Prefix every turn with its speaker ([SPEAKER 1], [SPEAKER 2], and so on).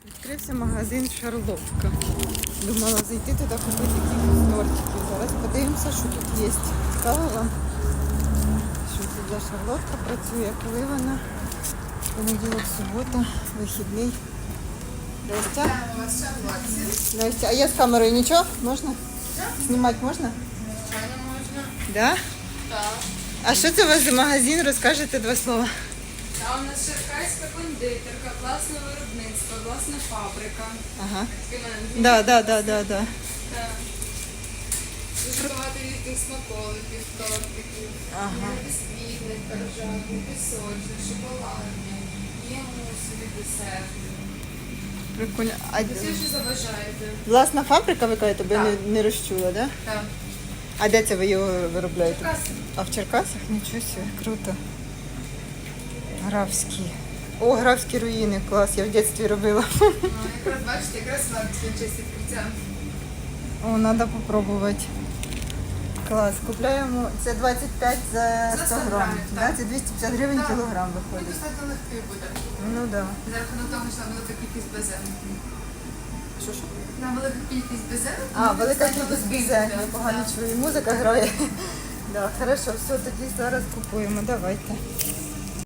[SPEAKER 1] Відкрився магазин Шарлотка. Думала зайти туди купити якісь тортики. Зараз подивимося, що тут є. Цікаво вам, що тут за Шарлотка працює, коли вона. Понеділок, субота, вихідний. Настя? Настя, а я з камерою нічого? Можна? Знімати можна?
[SPEAKER 2] Звичайно, можна.
[SPEAKER 1] Да?
[SPEAKER 2] Так.
[SPEAKER 1] А що це у вас за магазин? Розкажете два слова.
[SPEAKER 2] Та у нас шеркайська кондитерка, власне виробництво, власна фабрика.
[SPEAKER 1] Ага.
[SPEAKER 2] Таке
[SPEAKER 1] Да.
[SPEAKER 2] Так. Дуже багато різних смаколиків, тортиків.
[SPEAKER 1] Ага.
[SPEAKER 2] Є бісквітних, коржатних, пісочних, шоколадних, є мусові, десертні.
[SPEAKER 1] Прикольно. А
[SPEAKER 2] Все, що забажаєте.
[SPEAKER 1] власна фабрика, ви кажете, тебе
[SPEAKER 2] Так.
[SPEAKER 1] не розчула, да?
[SPEAKER 2] Так.
[SPEAKER 1] А де це ви його виробляєте?
[SPEAKER 2] Черкаси.
[SPEAKER 1] А в Черкасах? Нічого собі, круто. Графські. О, графські руїни, клас, я в дитинстві робила.
[SPEAKER 2] Ну, якраз бачите, якраз вам в честь відкриття.
[SPEAKER 1] О, треба спробувати. Клас, купляємо, це 25 за 100 грам.
[SPEAKER 2] грамів,
[SPEAKER 1] Да?
[SPEAKER 2] так.
[SPEAKER 1] Це 250 гривень
[SPEAKER 2] Так.
[SPEAKER 1] кілограм
[SPEAKER 2] Ну,
[SPEAKER 1] виходить.
[SPEAKER 2] достатньо легкий буде.
[SPEAKER 1] Ну так. Да.
[SPEAKER 2] За рахунок того, що там велика кількість безе.
[SPEAKER 1] Що ж?
[SPEAKER 2] На велика кількість безе.
[SPEAKER 1] А, велика кількість бізе. Я погано
[SPEAKER 2] Так.
[SPEAKER 1] чую, музика грає. Да, хорошо, все, тоді зараз купуємо, давайте.